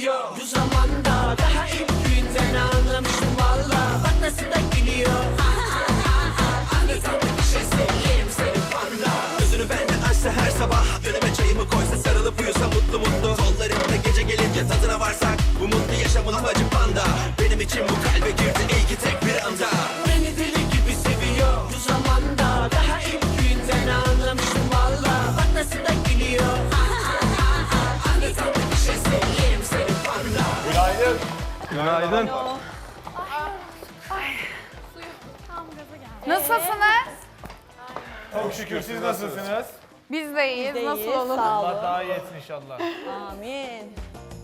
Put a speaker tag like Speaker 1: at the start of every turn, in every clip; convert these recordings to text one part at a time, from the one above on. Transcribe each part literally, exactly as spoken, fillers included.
Speaker 1: seviyor. Bu zamanda daha ilk günden anlamıştım valla. Bak nasıl da gülüyor. Anlatan bir şey seveyim seni panda. Gözünü benden açsa her sabah, önüme çayımı koysa sarılıp uyusa mutlu mutlu. Kollarımda gece gelince tadına varsak, bu mutlu yaşamın amacı panda. Benim için bu kalbe girdi iyi ki tek bir anda. Beni deli gibi seviyor. Bu zamanda daha ilk günden anlamıştım valla. Bak nasıl da gülüyor. Anlatan bir şey seveyim seni panda.
Speaker 2: Günaydın.
Speaker 3: Günaydın.
Speaker 4: Nasılsınız?
Speaker 2: Çok şükür siz nasılsınız?
Speaker 4: Biz de iyiyiz.
Speaker 5: Biz de
Speaker 4: Nasıl
Speaker 5: iyiyiz,
Speaker 4: olur?
Speaker 5: sağ olun.
Speaker 2: Allah daha iyi etsin inşallah.
Speaker 5: Amin.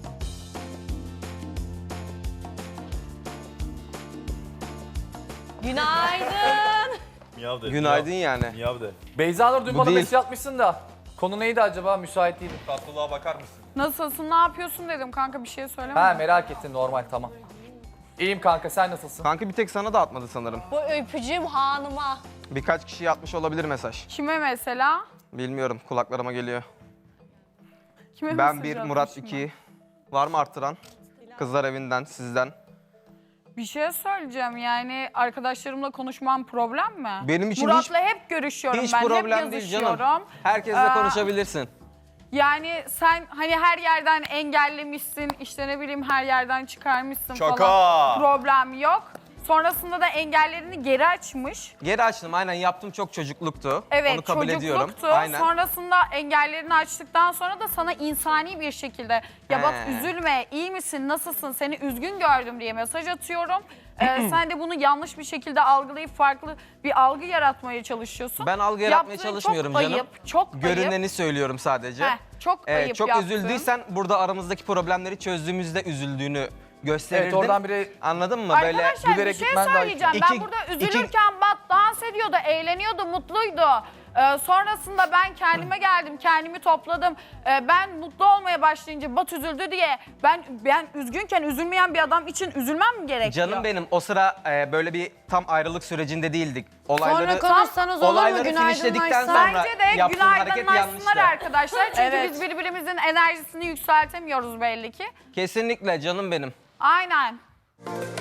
Speaker 5: Günaydın.
Speaker 2: Miyav de.
Speaker 3: Günaydın yani.
Speaker 2: Miyav de.
Speaker 6: Beyza Nur dün
Speaker 3: Bu
Speaker 6: bana
Speaker 3: değil.
Speaker 6: mesaj atmışsın da. Konu neydi acaba? Müsait değilim.
Speaker 2: Tatlılığa bakar mısın?
Speaker 4: Nasılsın? Ne yapıyorsun dedim kanka, bir şey söyleme.
Speaker 6: Ha merak ettin, normal, tamam. İyiyim kanka, sen nasılsın?
Speaker 3: Kanka bir tek sana da atmadı sanırım.
Speaker 5: Bu öpücüğüm hanıma.
Speaker 3: Birkaç kişiye atmış olabilir mesaj.
Speaker 4: Kime mesela?
Speaker 3: Bilmiyorum, kulaklarıma geliyor.
Speaker 4: Kime
Speaker 3: Ben
Speaker 4: mesaj
Speaker 3: bir,
Speaker 4: atmışım
Speaker 3: Murat
Speaker 4: ben?
Speaker 3: iki. Var mı arttıran? Kızlar evinden, sizden.
Speaker 4: Bir şey söyleyeceğim, yani arkadaşlarımla konuşmam problem mi?
Speaker 3: Benim için
Speaker 4: Murat'la hep görüşüyorum
Speaker 3: Hiç
Speaker 4: ben,
Speaker 3: problem
Speaker 4: hep
Speaker 3: değil
Speaker 4: yazışıyorum.
Speaker 3: canım. Herkesle
Speaker 4: Ee,
Speaker 3: konuşabilirsin.
Speaker 4: Yani sen hani her yerden engellemişsin, işte ne bileyim her yerden çıkarmışsın
Speaker 2: Şaka.
Speaker 4: falan. Problem yok. Sonrasında da engellerini geri açmış.
Speaker 3: Geri açtım, aynen yaptım, çok çocukluktu.
Speaker 4: Evet,
Speaker 3: Onu kabul ediyorum.
Speaker 4: çocukluktu.
Speaker 3: Aynen.
Speaker 4: Sonrasında engellerini açtıktan sonra da sana insani bir şekilde ya bak
Speaker 3: He.
Speaker 4: üzülme, iyi misin, nasılsın, seni üzgün gördüm diye mesaj atıyorum. Ee, sen de bunu yanlış bir şekilde algılayıp farklı bir algı yaratmaya çalışıyorsun.
Speaker 3: Ben algı yaratmaya
Speaker 4: Yaptığın
Speaker 3: çalışmıyorum
Speaker 4: çok
Speaker 3: canım.
Speaker 4: Ayıp, çok ayıp.
Speaker 3: Görüneni söylüyorum sadece.
Speaker 4: Heh, çok
Speaker 3: Ee,
Speaker 4: ayıp
Speaker 3: çok
Speaker 4: yaptın.
Speaker 3: üzüldüysen burada aramızdaki problemleri çözdüğümüzde üzüldüğünü gösterirdin.
Speaker 6: Evet, oradan biri
Speaker 3: Anladın mı? Böyle
Speaker 4: Arkadaşlar bir
Speaker 6: gülerek
Speaker 4: şey
Speaker 6: gitmen daha iyi.
Speaker 4: söyleyeceğim.
Speaker 3: İki-
Speaker 4: ben burada
Speaker 3: iki-
Speaker 4: üzülürken Bat dans ediyordu, eğleniyordu, mutluydu. Ee, sonrasında ben kendime geldim, kendimi topladım. Ee, ben mutlu olmaya başlayınca Bat üzüldü diye ben ben üzgünken üzülmeyen bir adam için üzülmem mi gerekiyor?
Speaker 3: Canım benim, o sıra e, böyle bir tam ayrılık sürecinde değildik. Olayları,
Speaker 5: Sonra konuşsanız olur mu?
Speaker 3: olayları
Speaker 5: Günaydınlaşsan.
Speaker 3: finişledikten sonra
Speaker 4: Bence de
Speaker 3: yaptığın hareket
Speaker 4: günaydınlaşsınlar
Speaker 3: yanlıştı.
Speaker 4: arkadaşlar. Çünkü
Speaker 5: Evet.
Speaker 4: biz birbirimizin enerjisini yükseltemiyoruz belli ki.
Speaker 3: Kesinlikle canım benim.
Speaker 4: Aynen.